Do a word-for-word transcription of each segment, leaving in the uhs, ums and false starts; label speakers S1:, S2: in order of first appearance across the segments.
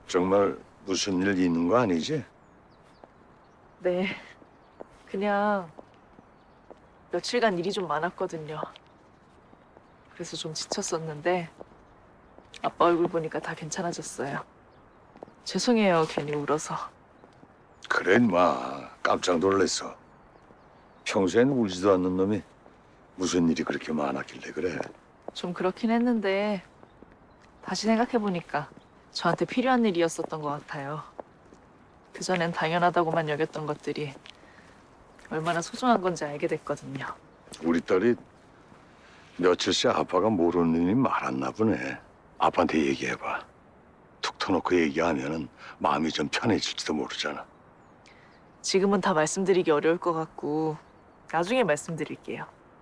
S1: 정말 무슨 일 있는 거 아니지?
S2: 네. 그냥 며칠간 일이 좀 많았거든요. 그래서 좀 지쳤었는데 아빠 얼굴 보니까 다 괜찮아졌어요. 죄송해요, 괜히 울어서.
S1: 그래 인마 깜짝 놀랐어. 평소엔 울지도 않는 놈이 무슨 일이 그렇게 많았길래 그래.
S2: 좀 그렇긴 했는데 다시 생각해보니까 저한테 필요한 일이었었던 것 같아요. 그전엔 당연하다고만 여겼던 것들이 얼마나 소중한 건지 알게 됐거든요.
S1: 우리 딸이 며칠째 아빠가 모르는 일이 많았나 보네. 아빠한테 얘기해봐. 툭 터놓고 얘기하면은 마음이 좀 편해질지도 모르잖아.
S2: 지금은 다 말씀드리기 어려울 것 같고 나중에 말씀드릴게요.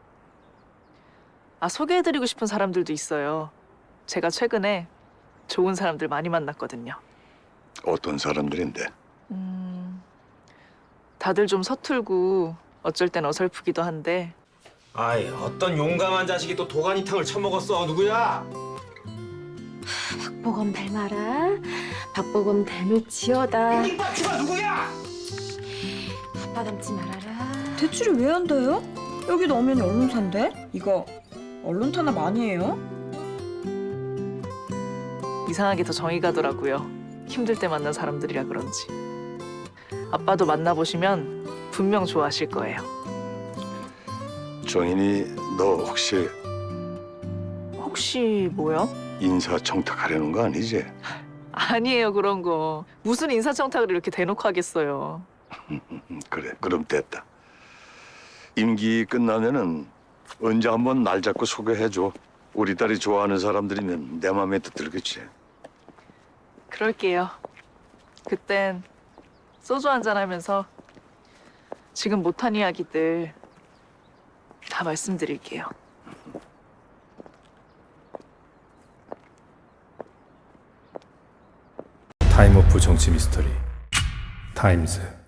S2: 아, 소개해드리고 싶은 사람들도 있어요. 제가 최근에 좋은 사람들 많이 만났거든요.
S1: 어떤 사람들인데?
S2: 음, 다들 좀 서툴고 어쩔 땐 어설프기도 한데
S3: 아이, 어떤 용감한 자식이 또 도가니탕을 처먹었어. 누구야?
S4: 박보검 닮아라. 박보검 닮을지어다.
S3: 이빠치마 누구야?
S4: 아빠 닮지 말아라.
S5: 대출이 왜 안 돼요? 여기도 엄연히 언론사인데? 이거 언론 탄압 아니에요?
S2: 이상하게 더 정이 가더라고요. 힘들 때 만난 사람들이라 그런지. 아빠도 만나보시면 분명 좋아하실 거예요.
S1: 정인이 너 혹시
S2: 혹시 뭐요?
S1: 인사청탁하려는 거 아니지?
S2: 아니에요, 그런 거. 무슨 인사청탁을 이렇게 대놓고 하겠어요.
S1: 음, 그래 그럼 됐다. 임기 끝나면은 언제 한번 날 잡고 소개해줘. 우리 딸이 좋아하는 사람들이면 내 맘에 또 들겠지.
S2: 그럴게요. 그땐 소주 한잔 하면서 지금 못한 이야기들 다 말씀드릴게요.
S6: 타임오프 정치 미스터리 타임즈.